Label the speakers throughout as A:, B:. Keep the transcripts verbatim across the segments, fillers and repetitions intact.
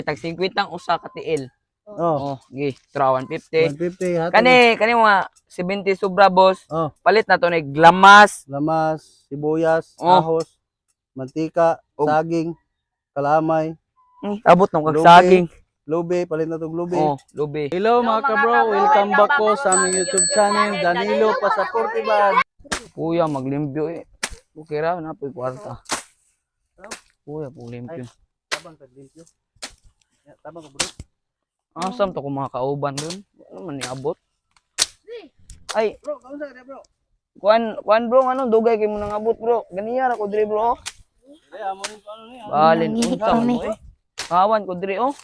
A: Tag fifty ang usa ka tiil.
B: Oh,
A: Oh, gi, tra one fifty.
B: one fifty hatod.
A: Kani kani mga seventy sobra boss.
B: Oh,
A: Palit na to ni glamas.
B: lamas, sibuyas,
A: Oh.
B: ahos, mantika,
A: Og-
B: saging, kalamay,
A: Hmm, abot nang
B: Lubi.
A: kagsaging.
B: lube, palit na tong lube.
A: Oh, lubi.
B: Hello mga kabro, welcome back po sa aming YouTube channel, Danilo Pasaportiban.
A: Kuya maglimpyo eh. Bukira na po kwarta. Kuya po limpyo.
B: Tabang ka limpyo. Ya, tabang ka bro.
A: Asam to kung mga kauban dun. Ano man niabot? Ay,
B: Bro, kamusta ka bro?
A: kuan kuan bro, ano dugay kay mo nang abot bro. Ganiya ra ko diri bro.
B: Dili amo rin ko ano ni.
A: Balin
C: Nangihi
A: unsa man
C: kami.
A: mo eh. Kawan ko diri oh.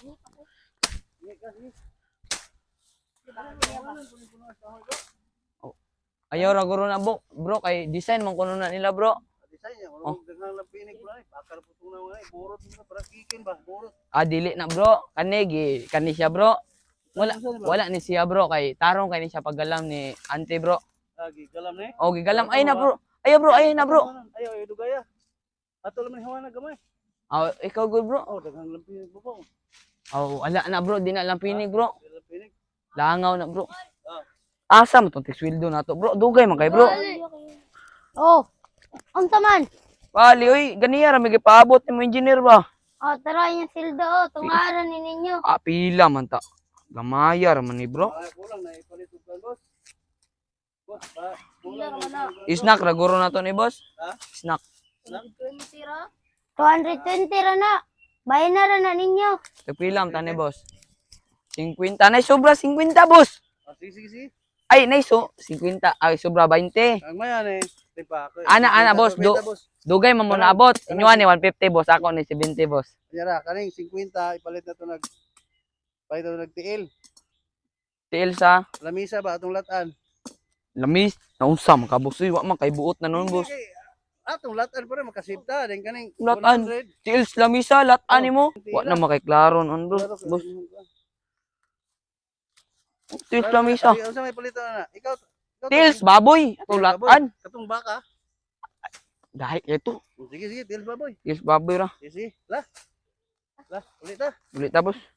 A: Ayaw ra guro na bro, bro kay design man kuno na nila bro.
B: Design niya,
A: Oh.
B: wala daghang lapinig bro. Bakal putong na wala, burot mo para kikin ba, burot.
A: Ah dili na bro, kani gi kani siya bro. Wala wala ni siya bro kay tarong kay ni siya pagalam ni ante bro.
B: Lagi galam ni.
A: Oh gigalam ay na bro. Ayaw bro, ay na bro.
B: Ayaw, ayaw dugaya. Ato laman hawa na gamay.
A: Ah ikaw good bro.
B: Oh, daghang lapinig bro.
A: Oh wala na bro, di na lang pinig bro.
B: Lapinig.
A: Langaw na bro.
B: Ah.
A: Asa mo tong tisweldo na to bro? Dugay man kay bro.
C: Oh, unsa man?
A: Pali oy, ganiya ra may gipaabot ni mo engineer ba?
C: Oh, tara yung sildo, oh, tungaran ni ninyo.
A: Ah pila man ta. Gamaya ra man ni bro.
B: Ay, kulang na ipalit ug kan boss. Boss, ba, kulang na.
A: Snack ra guro na to ni boss.
B: Ha?
A: Snack.
C: two hundred twenty ra na. Bayan na ra na ninyo.
A: Tagpila ta ni boss. fifty. Nay sobra fifty boss.
B: Ah, sige, sige, sige.
A: Ay nay so fifty. Ay sobra twenty.
B: Ang maya ni, tipa ako.
A: Ana, ana, boss, do- Dugay man mo naabot. Inyo ni one fifty boss, ako ni seventy boss.
B: Yara, kaning fifty ipalit na to nag palit na to nag tiil.
A: Tiil sa
B: Lamisa ba atong latan?
A: lamis. Naunsa man ka boss? Uy, wa man kay buot na nun boss.
B: Sige, atong latan pa rin makasipta din kaning
A: Latan.
B: one hundred.
A: Tiil sa lamisa, latan nimo. Wa na makiklaro nun boss. Boss, tiil sa lamisa.
B: Ay, unsa may palito na? Ikaw, ikaw
A: Tiils baboy. Ato latan.
B: Katong baka.
A: Dahil ito.
B: Sige, sige, tiil baboy.
A: Tiils baboy ra.
B: Sige, sige. La. La, ulit ta.
A: Ulit ta boss.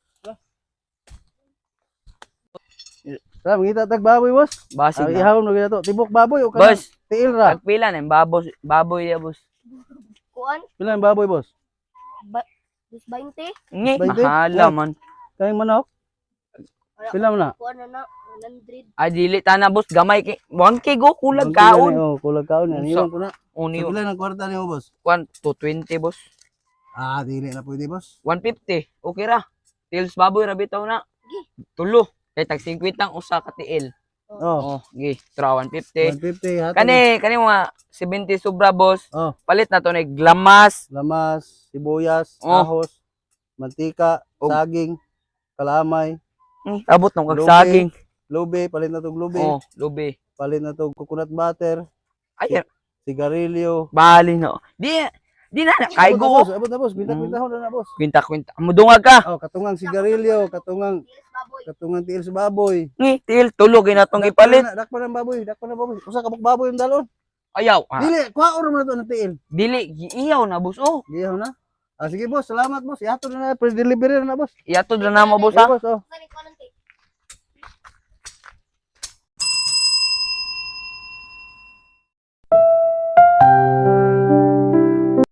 B: Sa mangita tag baboy, boss.
A: Basig
B: Ang
A: na.
B: ihawon mo gito. Tibok baboy o kanang
A: Boss,
B: tiil ra.
A: tagpila na yung baboy, baboy ya boss.
C: Kuan?
B: Pila ang baboy, boss?
C: Ba twenty?
A: Ngi,
B: Bainte?
A: mahala
B: Oh.
A: man.
B: Kaning manok? Pila man na?
C: Kuan na na, one hundred.
A: Ay dili ta na boss, gamay kay one K go kulag
B: Ang pila
A: kaon.
B: ni, Oh, kulag kaon. Yan,
A: Unsa?
B: iwan ko na.
A: Uni
B: Sa pila ng kwarta niyo, boss?
A: one to twenty boss.
B: Ah, dili na pwede, boss.
A: one fifty. Okay ra. Tiils baboy ra bitaw na. Tulo. Kay tag fifty ang usa ka tiil.
B: Oh,
A: Oh, gi, tra one fifty.
B: one fifty hatod.
A: Kani kani mga seventy sobra boss.
B: Oh,
A: Palit na to ni glamas.
B: lamas, sibuyas,
A: Oh.
B: ahos, mantika,
A: Og-
B: saging, kalamay,
A: Hmm, abot nang
B: Lubi.
A: kagsaging.
B: lube, palit na tong lube,
A: Oh, lubi.
B: palit na tong coconut butter,
A: Ay,
B: sigarilyo.
A: bali no. Di di na na kay
B: Abot na,
A: go.
B: boss, abot na, boss. Binta-binta na na, boss.
A: Kwinta kwinta. Mudungag ka.
B: Oh, katungang sigarilyo, katungang katungang tiil sa baboy.
A: Ngi, tiil tulo ginatong ipalit.
B: Dakpa na baboy, dakpa na baboy. Usa ka baboy yung dalon.
A: Ayaw. Ah,
B: Dili, kuha oro man na to ng tiil.
A: dili giiyaw na boss. Oh,
B: Giyaw na. Ah, sige boss, salamat boss. Ihatod na na, pre-delivery na na boss.
A: iatod na namo boss
B: Sige
A: ha.
B: boss, oh.
C: Kani kuan